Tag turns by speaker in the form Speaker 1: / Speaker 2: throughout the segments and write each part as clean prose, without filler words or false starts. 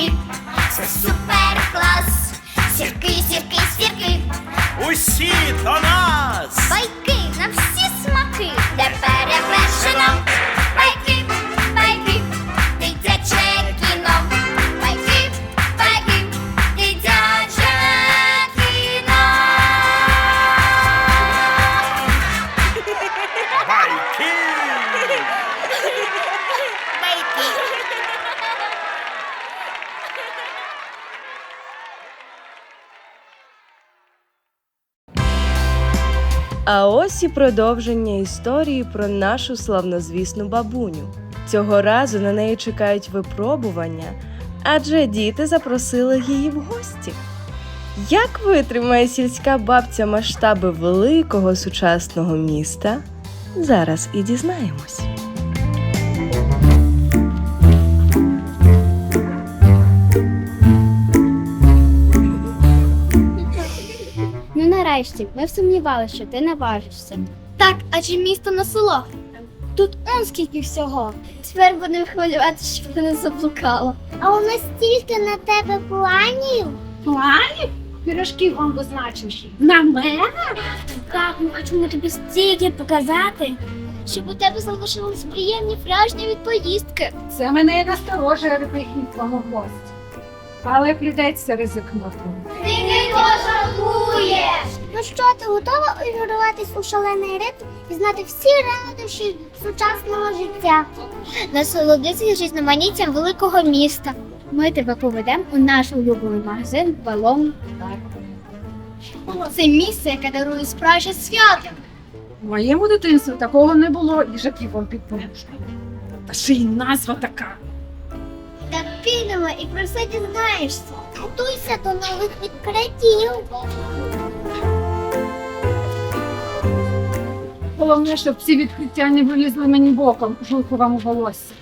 Speaker 1: сірки, це супер клас. Сірки, сірки, сірки,
Speaker 2: Усі до нас!
Speaker 1: байки на всі смаки, де перевершено. Байки, байки, дитяче кіно. Байки, байки, дитяче кіно.
Speaker 2: Байки!
Speaker 3: А ось і продовження історії про нашу славнозвісну бабуню. Цього разу на неї чекають випробування, адже діти запросили її в гості. Як витримає сільська бабця масштаби великого сучасного міста? Зараз і дізнаємось.
Speaker 4: Ну нарешті, ми сумнівалися, що ти наважишся.
Speaker 1: Так, адже місто на село.
Speaker 4: Тут он скільки всього.
Speaker 1: Тепер будемо хвилювати, щоб ти не заблукала. А у нас стільки на тебе планів.
Speaker 4: Планів? Пірожків вам позначиш. На мене?
Speaker 1: Так, ми хочемо тобі стільки показати, щоб у тебе залишились приємні враження від поїздки.
Speaker 5: Це мене і насторожує прихід твого гостя. Але прийдеться ризикнути.
Speaker 1: Ти не пожалкуєш! Ну що, ти готова увірватись у шалений ритм і знати всі радощі сучасного життя? Насолодитися різноманіттям великого міста.
Speaker 4: Ми тебе поведемо у наш улюблений магазин «Балон».
Speaker 1: Це місце, яке дарує справжнє свято.
Speaker 5: В моєму дитинстві такого не було їжаків вам під подушкою. Та ще й назва така.
Speaker 1: Та підемо і про все дізнаєшся. Готуйся до нових відкриттів.
Speaker 5: Головне, щоб ці відкриття не вилізли мені боком у жовтовому волосся.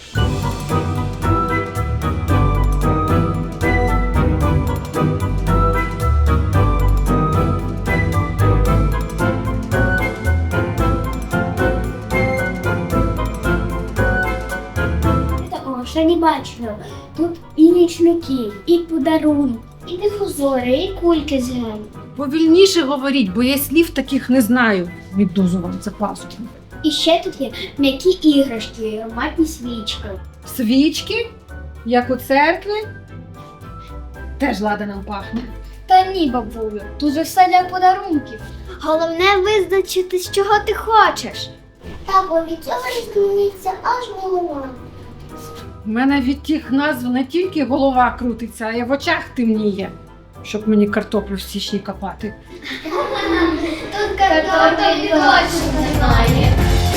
Speaker 4: Такого ще не бачила. Тут і нічники, і подарунки, і дифузори, і кульки з гелем.
Speaker 5: Повільніше говоріть, бо я слів таких не знаю. Віддузу вам за пазуху.
Speaker 4: І ще тут є м'які іграшки, і ароматні свічки.
Speaker 5: Свічки, як у церкві, теж ладаном пахне.
Speaker 4: Та ні, бабулю, тут же все для подарунків.
Speaker 1: Головне визначити, з чого ти хочеш. Та бо від цього зміниться аж голова.
Speaker 5: У мене від тих назв не тільки голова крутиться, а й в очах темніє, щоб мені картоплю в січні копати.
Speaker 1: Тут картоплі точно немає.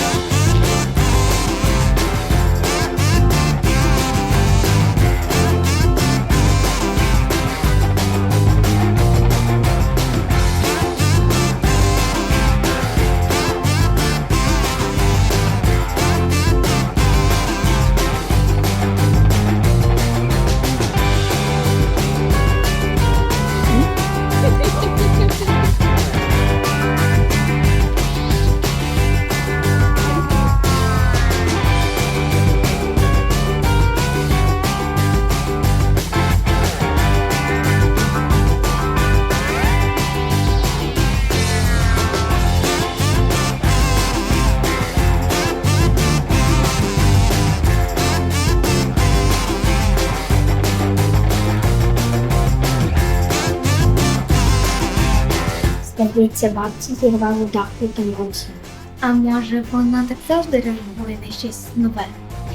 Speaker 4: Здається, бабці зірвали дах від носа. А може вона так завжди реагує на щось нове?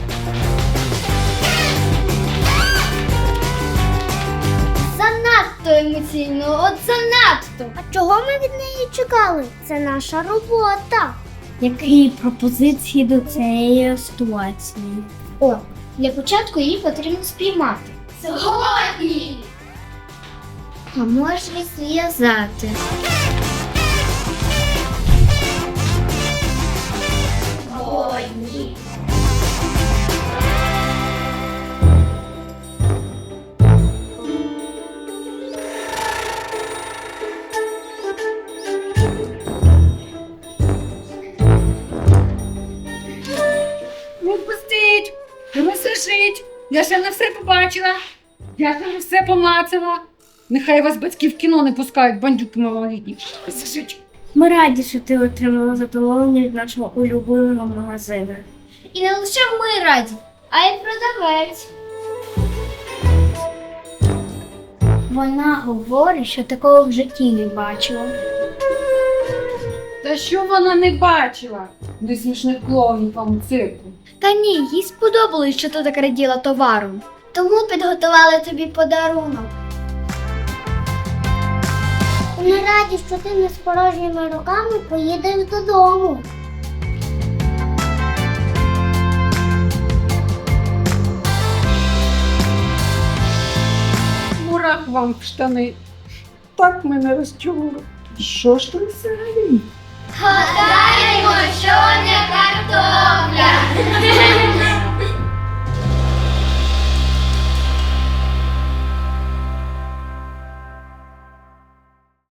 Speaker 1: Занадто емоційно, от занадто. А чого ми від неї чекали? Це наша робота.
Speaker 4: Які пропозиції до цієї ситуації?
Speaker 1: О, для початку її потрібно спіймати. Сьогодні!
Speaker 4: А може зв'язати?
Speaker 1: Сьогодні!
Speaker 5: Не впустіть! Не розсушіть! Я ще не все побачила. Я тобі все помацала. Нехай вас батьки в кіно не пускають, бандюки малолітні. Сидіть.
Speaker 4: Ми раді, що ти отримала задоволення від нашого улюбленого магазину.
Speaker 1: І не лише ми раді, а й продавець.
Speaker 4: Вона говорить, що такого в житті не бачила.
Speaker 5: Та що вона не бачила? До смішних клоунів вам у цирку.
Speaker 4: Та ні, їй сподобалось, що ти так раділа товару.
Speaker 1: Тому підготували тобі подарунок. Ми раді, що ти не з порожніми руками поїдеш додому.
Speaker 5: Мурах вам в штани. Так мене розчули. Що ж ти взагалі?
Speaker 1: Гадай,